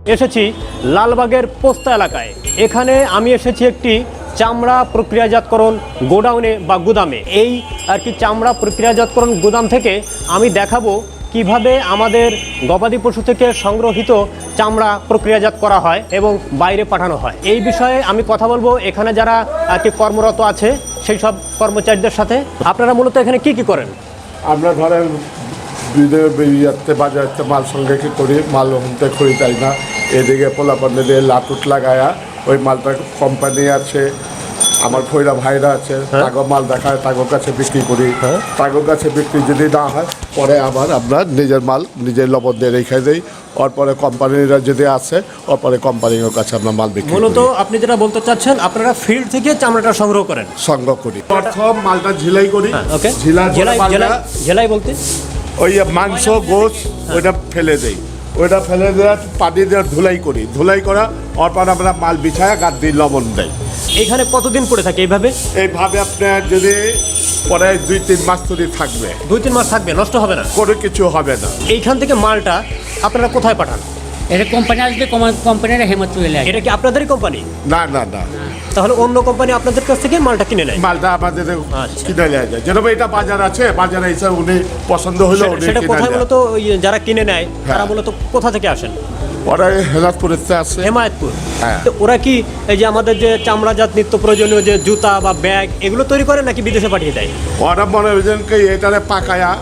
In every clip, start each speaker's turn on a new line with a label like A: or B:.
A: এসেছি লালবাগের পোস্তা এলাকায়। এখানে আমি এসেছি একটি চামড়া প্রক্রিয়াজাতকরণ গোডাউনে বা গুদামে। এই আর কি চামড়া প্রক্রিয়াজাতকরণ গুদাম থেকে আমি দেখাবো কিভাবে আমাদের গবাদি পশু থেকে সংগ্রহিত চামড়া প্রক্রিয়াজাত করা হয় এবং বাইরে পাঠানো হয়। এই বিষয়ে আমি কথা বলবো এখানে যারা আর কি কর্মরত আছে সেই সব কর্মচারীদের সাথে। আপনারা মূলত এখানে কি করেন?
B: আমরা ধরেন বাজারে মাল সংগ্রহ করি, মাল হতে খরিদাই না, এদিকে পোলাপান্ডে দিয়ে লাটুট লাগায়া ওই মালটা কোম্পানি আছে, আমার ভৈরা ভাইরা আছে, তাগো মাল দেখায়, তাগোর কাছে বিক্রি করি। তাগোর কাছে বিক্রি যদি না হয় পরে আবার আমরা নিজের মাল নিজের লবণ দিয়ে রেখে দিই। ওর পরে কোম্পানিরা যদি আসে ওর পরে কোম্পানির কাছে আমরা মাল বিক্রি করি।
A: মূলত আপনি যেটা বলতে চাচ্ছেন আপনারা ফিল্ড থেকে চামড়াটা সংগ্রহ করেন?
B: সংগ্রহ করি। প্রথম মালটা ঝিলাই করি।
A: ওকে, ঝেলাই বলতে
B: ওই মাংস গোশ ওইটা ফেলে দেই, ওইটা ফেলে দেওয়া পানি দিয়ে ধুলাই করি, ধুলাই করা ওর পর আমরা মাল বিছায় গাছ দিয়ে লবণ দেয়।
A: এখানে কতদিন পরে থাকে এইভাবে?
B: এইভাবে আপনার যদি পরে 2-3 মাস ধরে থাকবে।
A: 2-3 মাস থাকবে, নষ্ট হবে না?
B: কোনো কিছু হবে না।
A: এইখান থেকে মালটা আপনারা কোথায় পাঠান?
C: এটা কোম্পানি আসবে, কোম্পানির হেমত চলে আসবে।
A: এটা কি আপনাদেরই কোম্পানি?
B: না না না,
A: তাহলে অন্য কোম্পানি আপনাদের কাছ থেকে মালটা কিনে নেয়?
B: মালটা আমাদের
A: আচ্ছা।
B: কিনে নেওয়া যায়। যেরকম এটা বাজার আছে, বাজারে এসে উনি পছন্দ হলো উনি
A: সেটা
B: কিনে
A: কোথায়
B: নেয়।
A: মূলত ওই যারা কিনে নেয় তারা মূলত কোথা থেকে আসেন?
B: ওরা হেলাদপুরেতে আছে।
A: হেমায়তপুর।
B: হ্যাঁ।
A: তো ওরা কি এই যে আমাদের যে চামড়াজাত নিত্য প্রয়োজনীয় যে জুতা বা ব্যাগ এগুলো তৈরি করে নাকি বিদেশে পাঠিয়ে দেয়?
B: ওরা মনে হয়েছেন কি এটারে পাকায়া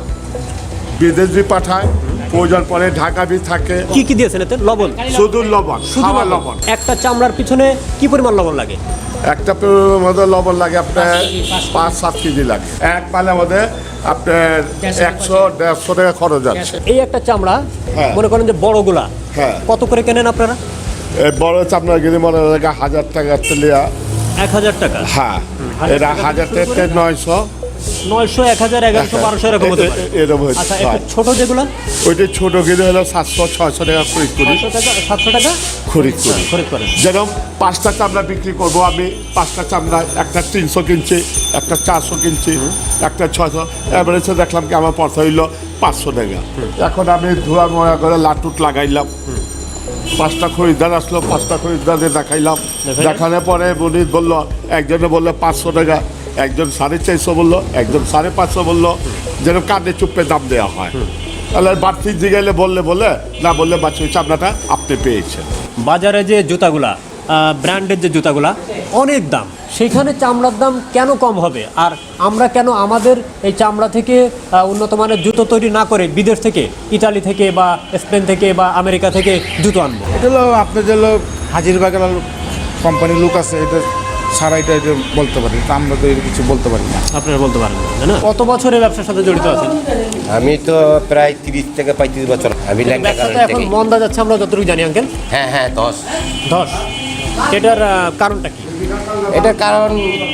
B: বিদেশ বি পাঠায়, প্রয়োজন পরে ঢাকা বি থাকে।
A: কি কি দিয়েছেন এতে? লবণ?
B: শুধু লবণ,
A: শুধু
B: খাওয়া
A: লবণ?
B: লবণ।
A: একটা চামড়ার পিছনে কি পরিমাণ লবণ লাগে?
B: একটা মধ্যে লবণ লাগে আপনার 5-7 কেজি লাগে। এক পালে মধ্যে আপনার 100-150 টাকা খরচ আছে।
A: এই একটা চামড়া
B: হ্যাঁ।
A: মনে করেন যে বড়গুলা
B: হ্যাঁ।
A: কত করে কেনেন আপনারা?
B: এই বড় চামড়া গেলে মনে লাগে 1000 টাকা তেলিয়া।
A: 1000 টাকা?
B: হ্যাঁ, এরা 1000 থেকে 900,
A: 900, 1000, 1100, 1200 এরকম হতে পারে।
B: এরকম হচ্ছে।
A: আচ্ছা, একটু ছোট যেগুলো?
B: ওইটা ছোট গেলে হলো 700-600 টাকা খরিদ করি।
A: 500 টাকা, 700 টাকা
B: খরিদ করি।
A: খরিদ করেন।
B: যেরকম 5টা চামড়া বিক্রি করব আমি, 5টা চামড়া একটা 300 কিনছি, একটা 400 কিনছি, একটা 600, এভারেজে দেখলাম কি আমার পড়তে হইলো 500 টাকা। এখন আমি ধোয়া মোয়া করে লাটুট লাগাইলাম, 5টা খরিদ্দার আসলো, 5টা খরিদ্দারে দেখাইলাম। দেখানোর পরে উনি বললো, একজনে বললো 500 টাকা, একজন 450 বললো, একজন 550 বললো। যেরকম কাঁধে চুপে দাম দেওয়া হয়। তাহলে বাড়তি জিগাইলে বললে না বললে বাচ্চা চামড়াটা আপনি পেয়েছেন।
A: বাজারে যে জুতাগুলা, ব্র্যান্ডের যে জুতাগুলা অনেক দাম, সেখানে চামড়ার দাম কেন কম হবে? আর আমরা কেন আমাদের এই চামড়া থেকে উন্নত মানের জুতো তৈরি না করে বিদেশ থেকে, ইতালি থেকে বা স্পেন থেকে বা আমেরিকা থেকে জুতো আনবো?
D: এটা হলো আপনার যে হাজিরবাগের কোম্পানির লোক আছে, এটা সারা এটা বলতে পারি, তা আমরা তো এর কিছু বলতে পারি না।
A: আপনারা বলতে পারেন না? কত বছর এই ব্যবসার সাথে জড়িত আছেন?
E: আমি তো প্রায় 30 থেকে 35 বছর। আমি
A: ব্যবসাটা এখন মন্দা যাচ্ছে আমরা যতটুকু জানি আঙ্কেল।
E: হ্যাঁ 10।
A: এটার কারণটা কি?
E: এটার কারণ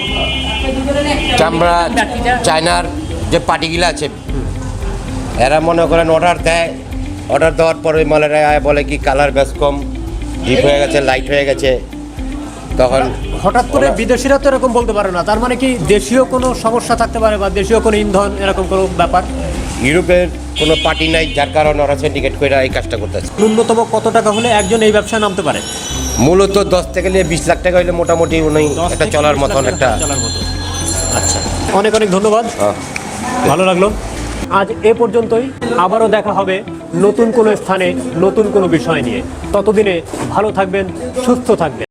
E: চামড়া চায়নার যে পার্টিগুলো আছে এরা মনে করেন অর্ডার দেয়, অর্ডার দেওয়ার পরে মালেরা বলে কি কালার বেশ কম, ডিপ হয়ে গেছে, লাইট হয়ে গেছে। তখন
A: হঠাৎ করে বিদেশিরা তো এরকম বলতে পারে না, তার মানে কি দেশীয় কোনো সমস্যা থাকতে পারে বা দেশীয় কোনো ইন্ধন এরকম কোনো ব্যাপার?
E: ইউরোপের কোনো পার্টি নাই যার কারণে ওরা সিন্ডিকেট করে এই কাজটা করতেছে।
A: ন্যূনতম কত টাকা হলে একজন এই ব্যবসায় নামতে পারে?
E: মূলত 10 থেকে 20 লাখ টাকা হলে মোটামুটি উনি একটা চলার মতন একটা।
A: আচ্ছা, অনেক অনেক ধন্যবাদ, ভালো লাগলো। আজ এ পর্যন্তই। আবারও দেখা হবে নতুন কোনো স্থানে নতুন কোনো বিষয় নিয়ে। ততদিনে ভালো থাকবেন, সুস্থ থাকবেন।